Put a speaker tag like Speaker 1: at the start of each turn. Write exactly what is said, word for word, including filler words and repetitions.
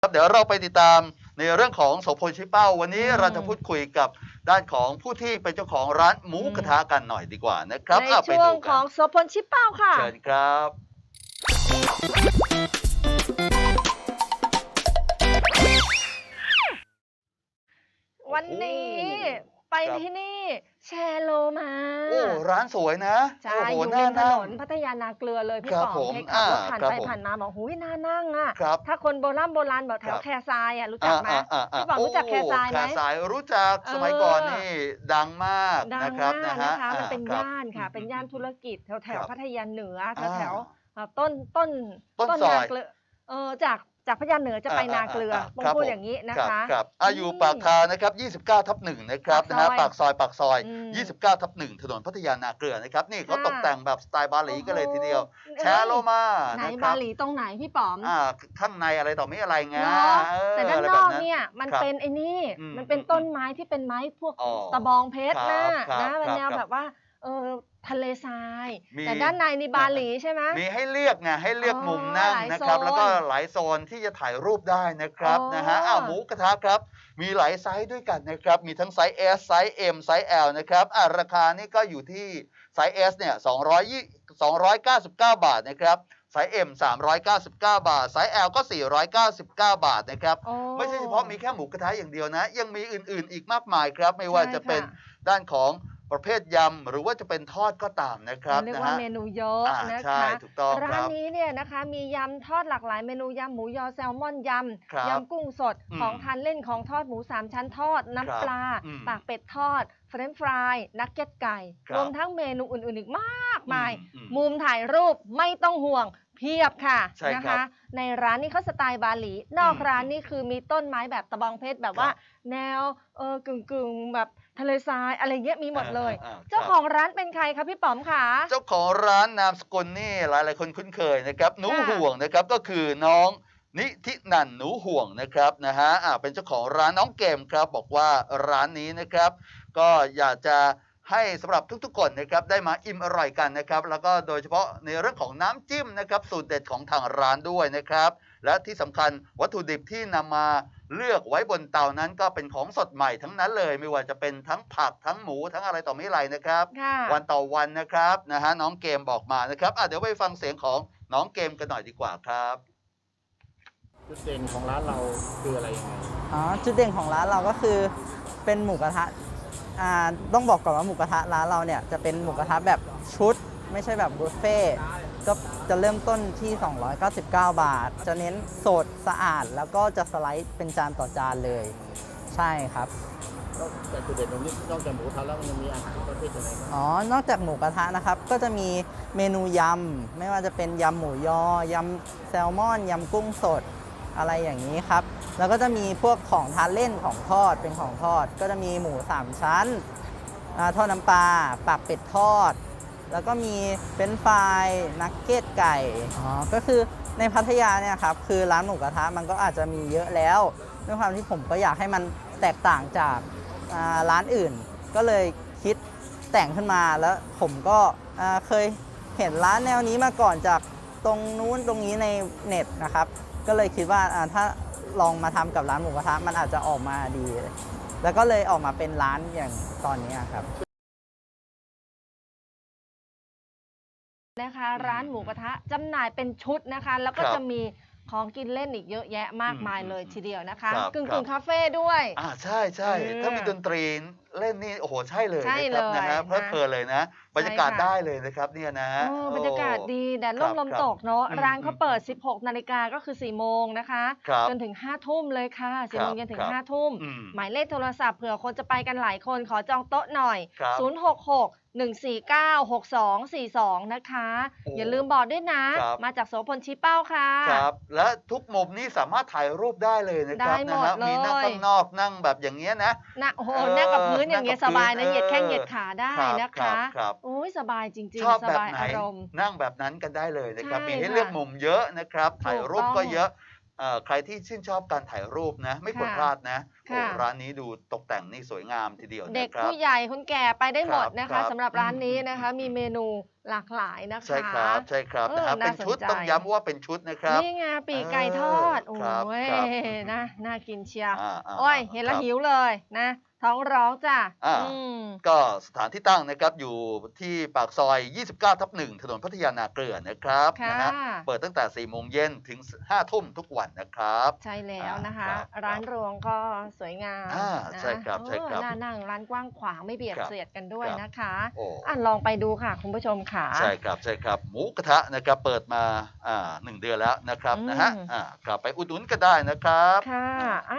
Speaker 1: ครับเดี๋ยวเราไปติดตามในเรื่องของโสพลชี้เป้าวันนี้
Speaker 2: อืม
Speaker 1: เราจะพูดคุยกับด้านของผู้ที่เป็นเจ้าของร้านหมู
Speaker 2: อืม
Speaker 1: กระทะกันหน่อยดีกว่านะครับ
Speaker 2: ใน
Speaker 1: อ่ะไป
Speaker 2: ช่ว
Speaker 1: ดู
Speaker 2: งข
Speaker 1: กั
Speaker 2: อน งโสพลชี้เป้าค่ะ
Speaker 1: เชิญครับ
Speaker 2: วันนี้
Speaker 1: โอ้โห
Speaker 2: ไป
Speaker 1: ครับ
Speaker 2: ที่นี่แชร์โลมา
Speaker 1: โอ้ร้านสวยนะ
Speaker 2: ใช่
Speaker 1: โอ้โห
Speaker 2: อยู่
Speaker 1: น่า
Speaker 2: ริมถ
Speaker 1: นั่
Speaker 2: น
Speaker 1: ง
Speaker 2: นพัทยานาเกลือเลยพี่
Speaker 1: ครับ
Speaker 2: ป๋อ
Speaker 1: ผม
Speaker 2: เพชรขับรถ
Speaker 1: อ่า
Speaker 2: ผ่าน
Speaker 1: ครับ
Speaker 2: ไป
Speaker 1: ผม
Speaker 2: ผ่านมาบอกหูยน่านั่งอ่ะ
Speaker 1: ครับ
Speaker 2: ถ้าคนโบราณโบราณบอกแถ
Speaker 1: คว รับ
Speaker 2: แคทรายอ่ะรู้จักไหม
Speaker 1: อ่าอ่าอ่า
Speaker 2: พี่ป๋องรู้จักแคทรายไหม
Speaker 1: แคทรายรู้จักสมัยก่อนนี่ดังมาก
Speaker 2: ดั
Speaker 1: นะ
Speaker 2: ง
Speaker 1: ครับ
Speaker 2: มาก
Speaker 1: นะฮะ
Speaker 2: นะคะมันเป็น
Speaker 1: ครับ
Speaker 2: ย่านค่ะ เป็นย่านธุรกิจแถวแถ
Speaker 1: คว รับ
Speaker 2: พัทยาเหนือแถ
Speaker 1: อ่า
Speaker 2: วแถวเอ่อต้นต้น
Speaker 1: ต้นซ
Speaker 2: นา
Speaker 1: อย
Speaker 2: เกลือเออจากจากพัทยาเหนือจะไปนาเกลือ
Speaker 1: อ่า
Speaker 2: ปง
Speaker 1: ครับ
Speaker 2: พูด
Speaker 1: ผม
Speaker 2: อย่างนี้นะ
Speaker 1: รับ
Speaker 2: คะ
Speaker 1: ครับอ่ะอยู่
Speaker 2: อืม
Speaker 1: ปากทางนะครับยี่สิบเก้าทับหนึ่งนะครับนะฮะ
Speaker 2: ปา
Speaker 1: ปาก ก
Speaker 2: ซ
Speaker 1: ซ
Speaker 2: อ
Speaker 1: อย ยปากซอย
Speaker 2: อืม
Speaker 1: ยี่สิบเก้าทับหนึ่งถนนพัทยานาเกลือนะครับนี่เขา
Speaker 2: ค่ะ
Speaker 1: ตกแต่งแบบสไตล์บาหลีกันเลยทีเดียว
Speaker 2: โอ้โห
Speaker 1: แชร์โลมา
Speaker 2: ไหน
Speaker 1: นะค
Speaker 2: บา
Speaker 1: รับ
Speaker 2: หลีตรงไหนพี่ป๋อม
Speaker 1: อ่าข้างในอะไรต่อไม่อะไรไง
Speaker 2: เนาะ
Speaker 1: เออ
Speaker 2: แต่ด้าน
Speaker 1: อะไร
Speaker 2: น
Speaker 1: แบอก
Speaker 2: อก
Speaker 1: นั้น
Speaker 2: เนี่ยมัน
Speaker 1: ครับ
Speaker 2: เป็นไอ้นี่
Speaker 1: อืม
Speaker 2: มันเป็น
Speaker 1: อืม
Speaker 2: ต้นไม้ที่เป็นไม้พวก
Speaker 1: อ๋อ
Speaker 2: ตะบองเพชร
Speaker 1: ครั
Speaker 2: นะ
Speaker 1: บครับ
Speaker 2: นะเป็นแนว
Speaker 1: ครับ
Speaker 2: แบบว่าเออทะเลทราย
Speaker 1: มี
Speaker 2: แต่ด้านในนี่บาหลีใช่ไหม
Speaker 1: มีให้เลือกไงให้เลือก
Speaker 2: อ๋อ
Speaker 1: มุมนั่ง
Speaker 2: หลาย
Speaker 1: นะครับ
Speaker 2: โซน
Speaker 1: แล้วก็หลายโซนที่จะถ่ายรูปได้นะครับ
Speaker 2: อ๋อ
Speaker 1: นะฮะอ้าวหมูกระทะครับ มีหลายไซส์ด้วยกันนะครับ มีทั้งไซส์ S ไซส์ M ไซส์ L นะครับอ่าราคานี่ก็อยู่ที่ไซส์ S เนี่ยสองร้อยยี่สองร้อยเก้าสิบเก้าบาทนะครับไซส์ M สามร้อยเก้าสิบเก้าบาทไซส์ L ก็สี่ร้อยเก้าสิบเก้าบาทนะครับ
Speaker 2: โอ้
Speaker 1: ไม่ใช่เฉพาะมีแค่หมูกระทะอย่างเดียวนะ ยังมีอื่นๆอีกมากมายครับ ไม่ว่า
Speaker 2: ใช่
Speaker 1: จะเป็น
Speaker 2: ค่ะ
Speaker 1: ด้านของประเภทยำหรือว่าจะเป็นทอดก็ตามนะครับ
Speaker 2: เรียก
Speaker 1: นะ
Speaker 2: ว่า
Speaker 1: ฮะ
Speaker 2: เมนูเยอะ
Speaker 1: อ่า
Speaker 2: นะ
Speaker 1: ใช่
Speaker 2: คะ
Speaker 1: ถูกต้องค
Speaker 2: ร้า
Speaker 1: รั
Speaker 2: น
Speaker 1: บ
Speaker 2: นี้เนี่ยนะคะมียำทอดหลากหลายเมนูยำหมูยอแซลมอนย
Speaker 1: ครับ
Speaker 2: ำยำกุ้งสด
Speaker 1: อืม
Speaker 2: ของทานเล่นของทอดหมูสามชั้นทอด
Speaker 1: ครับ
Speaker 2: น้ำปลา
Speaker 1: อืม
Speaker 2: ปากเป็ดทอดเฟรนช์ฟรายนักเก็ตไก่
Speaker 1: ครับ
Speaker 2: รวมทั้งเมนูอื่นๆอีกมากมาย
Speaker 1: อืมอืม
Speaker 2: มุมถ่ายรูปไม่ต้องห่วงเพียบค่ะ
Speaker 1: ใช่
Speaker 2: นะ
Speaker 1: ครั
Speaker 2: คะ
Speaker 1: บ
Speaker 2: ในร้านนี้เขาสไตล์บาหลี นอก
Speaker 1: อืม
Speaker 2: ร้านนี่คือมีต้นไม้แบบตะบองเพชรแบบว่า
Speaker 1: ครับ
Speaker 2: แนวเออกึ่งๆแบบทะเลทรายอะไรเงี้ยมีหมดเลย
Speaker 1: อ่าๆๆ
Speaker 2: เจ้า
Speaker 1: ครับ
Speaker 2: ของร้านเป็นใครคะพี่ป๋อมคะ
Speaker 1: เจ้าของร้านนามสกุลนี่หลายๆคนคุ้นเคยนะครับหนู
Speaker 2: ค่ะ
Speaker 1: ห่วงนะครับก็คือน้องนิธินันหนูห่วงนะครับนะฮะอ่าเป็นเจ้าของร้านน้องเกมครับบอกว่าร้านนี้นะครับ ก็อยากจะให้สำหรับทุกๆคนนะครับได้มาอิ่มอร่อยกันนะครับ แล้วก็โดยเฉพาะในเรื่องของน้ำจิ้มนะครับสูตรเด็ดของทางร้านด้วยนะครับ และที่สำคัญวัตถุดิบที่นำมาเลือกไว้บนเตานั้นก็เป็นของสดใหม่ทั้งนั้นเลย ไม่ว่าจะเป็นทั้งผักทั้งหมูทั้งอะไรต่อไม่อะไรนะครับ
Speaker 2: ค่ะ
Speaker 1: วันต่อวันนะครับนะฮะน้องเกมบอกมานะครับอ่ะเดี๋ยวไปฟังเสียงของน้องเกมกันหน่อยดีกว่าครับ
Speaker 3: จุดเด่นของร้านเราคืออะไรยังไง
Speaker 4: อ๋อจุดเด่นของร้านเราก็คือเป็นหมูกระทะอ่าต้องบอกก่อนว่าหมูกระทะร้านเราเนี่ยจะเป็นหมูกระทะแบบชุด ไม่ใช่แบบบุฟเฟ่ต์ก็จะเริ่มต้นที่ สองร้อยเก้าสิบเก้า บาท จะเน้นสดสะอาด แล้วก็จะสไลด์เป็นจานต่อจานเลย ใช่ครับ
Speaker 3: นอกจากจุดเด่นตรงนี้นอกจากหมูกระทะแล้วมันยังมีอาหารประเภทอะไรบ้าง
Speaker 4: อ๋อ นอกจากหมูกระทะนะครับ ก็จะมีเมนูยำ ไม่ว่าจะเป็นยำหมูยอ ยำแซลมอน ยำกุ้งสด อะไรอย่างนี้ครับ แล้วก็จะมีพวกของทานเล่นของทอด เป็นของทอด ก็จะมีหมูสามชั้นอ่าทอดน้ำปลา ปากเป็ดทอด แล้วก็มีเฟรนช์ฟรายนักเก็ตไก่ อ๋อ ก็คือในพัทยาเนี่ยครับ คือร้านหมูกระทะมันก็อาจจะมีเยอะแล้ว ด้วยความที่ผมก็อยากให้มันแตกต่างจากอ่าร้านอื่น ก็เลยคิดแต่งขึ้นมา แล้วผมก็อ่าเคยเห็นร้านแนวนี้มาก่อนจากตรงนู้นตรงนี้ในเน็ตนะครับ ก็เลยคิดว่าอ่าถ้าลองมาทำกับร้านหมูกระทะมันอาจจะออกมาดี แล้วก็เลยออกมาเป็นร้านอย่างตอนนี้ครับ
Speaker 2: นะคะร้านหมูกระทะจำหน่ายเป็นชุดนะคะ แล้วก็
Speaker 1: ครับ
Speaker 2: จะมีของกินเล่นอีกเยอะแยะมากมาย
Speaker 1: อืม
Speaker 2: เลย
Speaker 1: อืม
Speaker 2: ทีเดียวนะคะ
Speaker 1: ครับ
Speaker 2: กึ่ง
Speaker 1: ครั
Speaker 2: กึ่
Speaker 1: บ
Speaker 2: งคาเฟ่ด้วย
Speaker 1: อ่าใช่ใช่
Speaker 2: เออ
Speaker 1: ถ้ามีดนตรีเล่นนี่โอ้โหใช่เลย
Speaker 2: ใช่
Speaker 1: นะครับ
Speaker 2: เลย
Speaker 1: นะฮะเพลิด
Speaker 2: นะ
Speaker 1: เพลินเลยนะ บรรยากาศ
Speaker 2: ใช่ค่ะ
Speaker 1: ได้เลยนะครับเนี่ยนะ
Speaker 2: เออบรรยากาศดีแดดร่มลม
Speaker 1: ครับ
Speaker 2: ตกเนาะ
Speaker 1: อืม
Speaker 2: ร้านเขา
Speaker 1: อืม
Speaker 2: เปิด สิบหก นาฬิกาก็คือ สี่โมงนะคะ
Speaker 1: ครับ
Speaker 2: จนถึง ห้า ทุ่มเลยค่ะสี่โมง
Speaker 1: ครับ
Speaker 2: เย็นถึ
Speaker 1: ค
Speaker 2: ง
Speaker 1: รับ
Speaker 2: ห้า ทุ่ม
Speaker 1: อืม
Speaker 2: หมายเลขโทรศัพท์เผื่อคนจะไปกันหลายคนขอจองโต๊ะหน่อย
Speaker 1: ครับ
Speaker 2: ศูนย์ หก หก หนึ่ง สี่ เก้า หก สอง สี่ สอง นะคะ
Speaker 1: โอ้
Speaker 2: อย่าลืมบอกด้วยนะ
Speaker 1: ครับ
Speaker 2: มาจากโสพลชี้เป้าค่ะ
Speaker 1: ครับและทุกมุมนี่สามารถถ่ายรูปได้เลยนะครับ
Speaker 2: ได้หม
Speaker 1: นะ
Speaker 2: ด
Speaker 1: ฮะ
Speaker 2: เลย
Speaker 1: มีนั่งข้างนอกนั่งแบบอย่างเงี้ยนะ
Speaker 2: นั่งโอ้โห
Speaker 1: เออ
Speaker 2: นั่งกับพื้นอย่างเงี้ย
Speaker 1: นั่
Speaker 2: ส
Speaker 1: งกับ
Speaker 2: บายนะ
Speaker 1: พื้น
Speaker 2: เหยียดแข้ง
Speaker 1: เออ
Speaker 2: เหยียดขาได้
Speaker 1: ครับ
Speaker 2: นะ
Speaker 1: ครั
Speaker 2: คะ
Speaker 1: บครับ
Speaker 2: โอ้ยสบายจริง
Speaker 1: ชอบ
Speaker 2: ๆ ส
Speaker 1: แบบ
Speaker 2: บาย
Speaker 1: ไหน
Speaker 2: อารมณ์
Speaker 1: นั่งแบบนั้นกันได้เลยนะครับ
Speaker 2: ใช่
Speaker 1: มีให้
Speaker 2: ค่ะ
Speaker 1: เลือกมุมเยอะนะครับ ถ่ายรูป
Speaker 2: ถูกต้อง
Speaker 1: ก็เยอะเอ่อใครที่ชื่นชอบการถ่ายรูปนะ ไม่ควร
Speaker 2: ค่ะ
Speaker 1: พลาดนะโอ้
Speaker 2: ค่ะ
Speaker 1: ร้านนี้ดูตกแต่งนี่สวยงามทีเดียว
Speaker 2: เด็ก
Speaker 1: นะครับ
Speaker 2: ผู้ใหญ่คนแก่ไปได้หมดนะ
Speaker 1: ครั
Speaker 2: คะ
Speaker 1: บ
Speaker 2: สำหรับร้านนี้
Speaker 1: อืม
Speaker 2: นะคะ มีเมนูหลากหลายนะคะ
Speaker 1: ใช่ครับใช่ครับ
Speaker 2: เออ
Speaker 1: นะฮะ
Speaker 2: น่า
Speaker 1: เป็นชุด
Speaker 2: สนใจ
Speaker 1: ต้องย้ำว่าเป็นชุดนะครับ
Speaker 2: นี่ไงปีกไก่ทอด โอ้
Speaker 1: ครับ
Speaker 2: ย
Speaker 1: ครับ
Speaker 2: นะ น่ากินเชียว
Speaker 1: อ่าๆๆ
Speaker 2: โอ้ย เห็นแล้ว
Speaker 1: ครับ
Speaker 2: หิวเลยนะ ท้องร้องจ้ะ
Speaker 1: อ่า
Speaker 2: อืม
Speaker 1: ก็สถานที่ตั้งนะครับอยู่ที่ปากซอย ยี่สิบเก้าทับหนึ่ง ถนนพัทยานาเกลือนะครับ
Speaker 2: ค่ะ
Speaker 1: นะฮะเปิดตั้งแต่ สี่โมงเย็นถึง ห้าทุ่มทุกวันนะครับ
Speaker 2: ใช่แล้ว
Speaker 1: อ่าน
Speaker 2: นะคะ
Speaker 1: ครับ
Speaker 2: ร้าน
Speaker 1: ครับ
Speaker 2: รวงก็สวยงาม
Speaker 1: อ่า
Speaker 2: นะ
Speaker 1: ใช่ครับ
Speaker 2: เอ
Speaker 1: ใช่
Speaker 2: อ
Speaker 1: ครับ
Speaker 2: น่านั่งร้านกว้างขวางไม่เบียด
Speaker 1: ครับ
Speaker 2: เสียดกันด้วย
Speaker 1: ครับ
Speaker 2: นะคะ
Speaker 1: โอ้
Speaker 2: อ่ะลองไปดูค่ะ คุณผู้ชมค่ะ
Speaker 1: ใช่ครับใช่ครับ หมูกระทะนะครับเปิดมาอ่าหนึ่งเดือนแล้วนะครับ
Speaker 2: อืม
Speaker 1: นะฮะอ่ากลับไปอุดหนุนก็ได้นะครับ
Speaker 2: ค่ะ
Speaker 1: อ่า
Speaker 2: อ่ะ